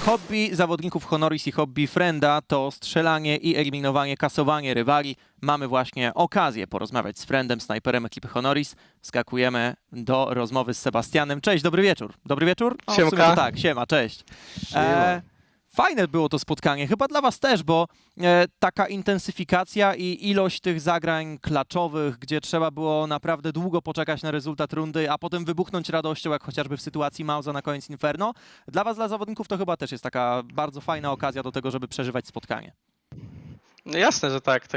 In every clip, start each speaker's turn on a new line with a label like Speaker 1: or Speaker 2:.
Speaker 1: Hobby zawodników Honoris i hobby Frenda to strzelanie i eliminowanie, kasowanie rywali. Mamy właśnie okazję porozmawiać z Frendem, snajperem ekipy Honoris. Skakujemy do rozmowy z Sebastianem. Cześć, dobry wieczór. Dobry wieczór? O, w sumie to tak, siema, cześć. Fajne było to spotkanie, chyba dla was też, bo taka intensyfikacja i ilość tych zagrań klaczowych, gdzie trzeba było naprawdę długo poczekać na rezultat rundy, a potem wybuchnąć radością, jak chociażby w sytuacji Mausa na koniec Inferno. Dla was, dla zawodników, to chyba też jest taka bardzo fajna okazja do tego, żeby przeżywać spotkanie.
Speaker 2: No jasne, że tak.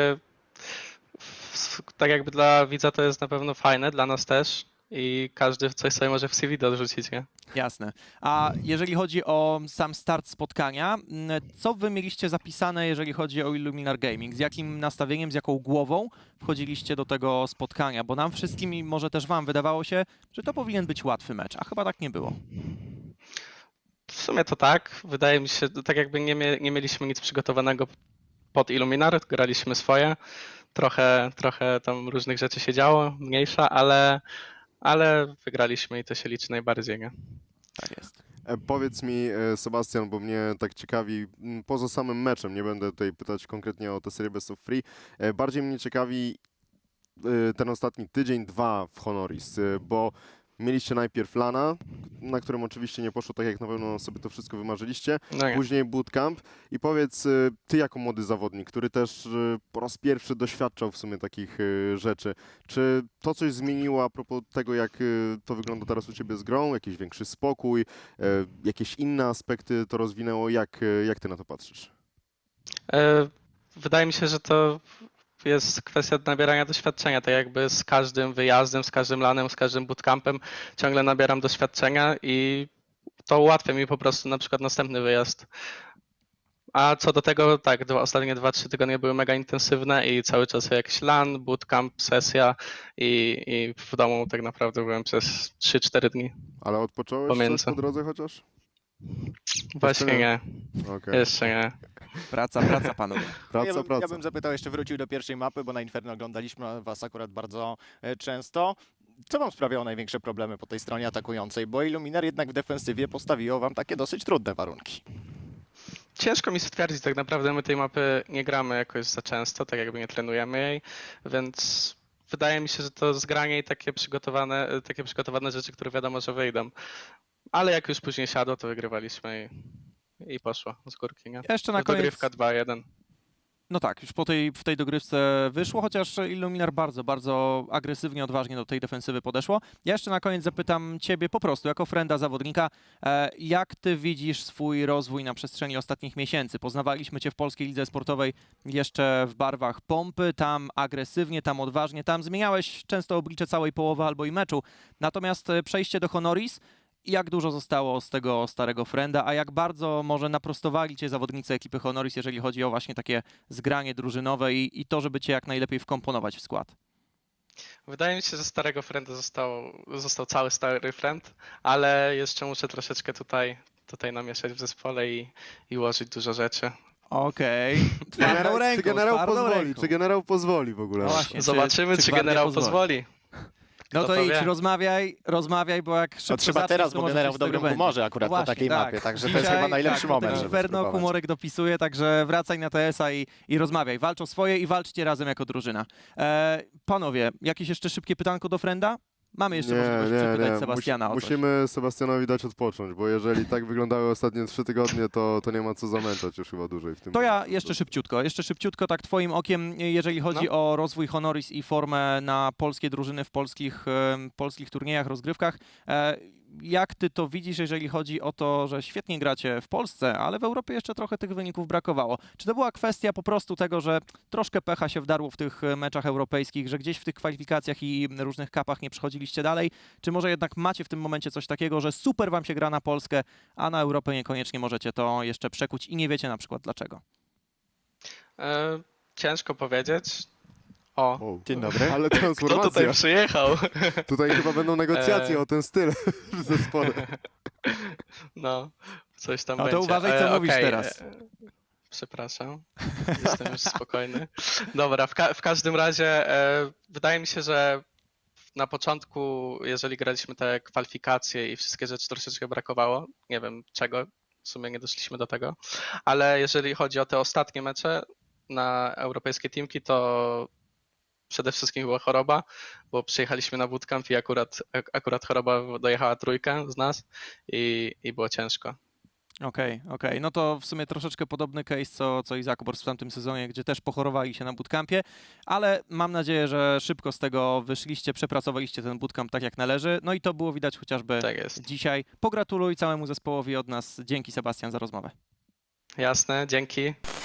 Speaker 2: Tak jakby dla widza to jest na pewno fajne, dla nas też. I każdy coś sobie może w CV dorzucić, nie?
Speaker 1: Jasne. A jeżeli chodzi o sam start spotkania, co wy mieliście zapisane, jeżeli chodzi o Illuminar Gaming? Z jakim nastawieniem, z jaką głową wchodziliście do tego spotkania? Bo nam wszystkim i może też wam wydawało się, że to powinien być łatwy mecz, a chyba tak nie było.
Speaker 2: W sumie to tak. Wydaje mi się, tak jakby nie mieliśmy nic przygotowanego pod Illuminar, graliśmy swoje. Trochę tam różnych rzeczy się działo, mniejsza, ale wygraliśmy i to się liczy najbardziej, nie?
Speaker 1: Tak jest.
Speaker 3: Powiedz mi, Sebastian, bo mnie tak ciekawi, poza samym meczem, nie będę tutaj pytać konkretnie o tę serię Best of Three, bardziej mnie ciekawi ten ostatni tydzień, dwa w Honoris, bo mieliście najpierw LANa, na którym oczywiście nie poszło tak, jak na pewno sobie to wszystko wymarzyliście,
Speaker 2: No nie.
Speaker 3: później bootcamp i powiedz, ty jako młody zawodnik, który też po raz pierwszy doświadczał w sumie takich rzeczy, czy to coś zmieniło a propos tego, jak to wygląda teraz u ciebie z grą, jakiś większy spokój, jakieś inne aspekty to rozwinęło, jak ty na to patrzysz?
Speaker 2: Wydaje mi się, że to jest kwestia nabierania doświadczenia, tak jakby z każdym wyjazdem, z każdym lanem, z każdym bootcampem ciągle nabieram doświadczenia i to ułatwia mi po prostu na przykład następny wyjazd. A co do tego, tak, ostatnie 2-3 tygodnie były mega intensywne i cały czas jakiś LAN, bootcamp, sesja i w domu tak naprawdę byłem przez 3-4 dni.
Speaker 3: Ale odpocząłeś
Speaker 2: Pomiędzy.
Speaker 3: coś po drodze chociaż?
Speaker 2: Właśnie nie,
Speaker 3: Okej.
Speaker 2: jeszcze nie.
Speaker 1: Praca, panowie.
Speaker 3: Praca.
Speaker 4: Ja bym zapytał, jeszcze wrócił do pierwszej mapy, bo na Inferno oglądaliśmy was akurat bardzo często. Co wam sprawiało największe problemy po tej stronie atakującej? Bo Illuminar jednak w defensywie postawiło wam takie dosyć trudne warunki.
Speaker 2: Ciężko mi stwierdzić, tak naprawdę my tej mapy nie gramy jakoś za często, tak jakby nie trenujemy jej, więc wydaje mi się, że to zgranie i takie przygotowane rzeczy, które wiadomo, że wyjdą. Ale jak już później siadło, to wygrywaliśmy i poszło z górki, nie?
Speaker 1: Jeszcze na koniec...
Speaker 2: Dogrywka 2-1.
Speaker 1: No tak, już w tej dogrywce wyszło, chociaż Illuminar bardzo agresywnie, odważnie do tej defensywy podeszło. Ja jeszcze na koniec zapytam ciebie po prostu, jako frenda zawodnika, jak ty widzisz swój rozwój na przestrzeni ostatnich miesięcy? Poznawaliśmy cię w Polskiej Lidze Sportowej jeszcze w barwach pompy, tam agresywnie, tam odważnie, tam zmieniałeś często oblicze całej połowy albo i meczu. Natomiast przejście do Honoris, jak dużo zostało z tego starego frenda, a jak bardzo może naprostowali cię zawodnicy ekipy Honoris, jeżeli chodzi o właśnie takie zgranie drużynowe i to, żeby cię jak najlepiej wkomponować w skład?
Speaker 2: Wydaje mi się, że starego frenda został cały stary friend, ale jeszcze muszę troszeczkę tutaj namieszać w zespole i ułożyć dużo rzeczy.
Speaker 1: Okej.
Speaker 3: Czy generał pozwoli w ogóle?
Speaker 1: No właśnie,
Speaker 2: Zobaczymy, czy
Speaker 1: gwardia
Speaker 2: generał pozwoli.
Speaker 1: No
Speaker 2: Kto
Speaker 1: to
Speaker 2: to
Speaker 1: idź,
Speaker 2: wie?
Speaker 1: rozmawiaj, bo jak szybko
Speaker 4: To trzeba
Speaker 1: zaczniesz,
Speaker 4: teraz,
Speaker 1: to
Speaker 4: bo
Speaker 1: może
Speaker 4: generał
Speaker 1: coś
Speaker 4: w
Speaker 1: z tego
Speaker 4: dobrym
Speaker 1: będzie.
Speaker 4: humorze akurat
Speaker 1: No
Speaker 4: na
Speaker 1: właśnie,
Speaker 4: takiej
Speaker 1: tak.
Speaker 4: mapie, także to jest chyba najlepszy moment, żeby
Speaker 1: Inferno,
Speaker 4: spróbować.
Speaker 1: humorek dopisuje, także wracaj na TS-a i rozmawiaj. Walcz o swoje i walczcie razem jako drużyna. Panowie, jakieś jeszcze szybkie pytanko do frenda? Mamy jeszcze możliwość przepytać Sebastiana o coś.
Speaker 3: Musimy Sebastianowi dać odpocząć, bo jeżeli tak wyglądały ostatnie 3 tygodnie, to nie ma co zamęczać już chyba dłużej w tym.
Speaker 1: To ja jeszcze szybciutko, tak twoim okiem, jeżeli chodzi o rozwój Honoris i formę na polskie drużyny w polskich turniejach, rozgrywkach. Jak ty to widzisz, jeżeli chodzi o to, że świetnie gracie w Polsce, ale w Europie jeszcze trochę tych wyników brakowało? Czy to była kwestia po prostu tego, że troszkę pecha się wdarło w tych meczach europejskich, że gdzieś w tych kwalifikacjach i różnych kapach nie przechodziliście dalej? Czy może jednak macie w tym momencie coś takiego, że super wam się gra na Polskę, a na Europę niekoniecznie możecie to jeszcze przekuć i nie wiecie na przykład dlaczego?
Speaker 2: Ciężko powiedzieć.
Speaker 4: Dzień dobry.
Speaker 3: Ale
Speaker 2: Kto
Speaker 3: transformacja.
Speaker 2: tutaj przyjechał?
Speaker 3: Tutaj chyba będą negocjacje o ten styl w zespole.
Speaker 2: No, coś tam
Speaker 1: No to
Speaker 2: będzie.
Speaker 1: uważaj, co mówisz
Speaker 2: okej,
Speaker 1: teraz.
Speaker 2: Przepraszam, jestem już spokojny. Dobra, w każdym razie wydaje mi się, że na początku, jeżeli graliśmy te kwalifikacje i wszystkie rzeczy, troszeczkę brakowało. Nie wiem czego, w sumie nie doszliśmy do tego. Ale jeżeli chodzi o te ostatnie mecze na europejskie teamki, to przede wszystkim była choroba, bo przyjechaliśmy na bootcamp i akurat choroba dojechała trójkę z nas i było ciężko.
Speaker 1: Okej. No to w sumie troszeczkę podobny case, co i Zakobors w tamtym sezonie, gdzie też pochorowali się na bootcampie, ale mam nadzieję, że szybko z tego wyszliście, przepracowaliście ten bootcamp tak jak należy, no i to było widać chociażby
Speaker 2: Tak jest.
Speaker 1: dzisiaj. Pogratuluj całemu zespołowi od nas. Dzięki, Sebastian, za rozmowę.
Speaker 2: Jasne, dzięki.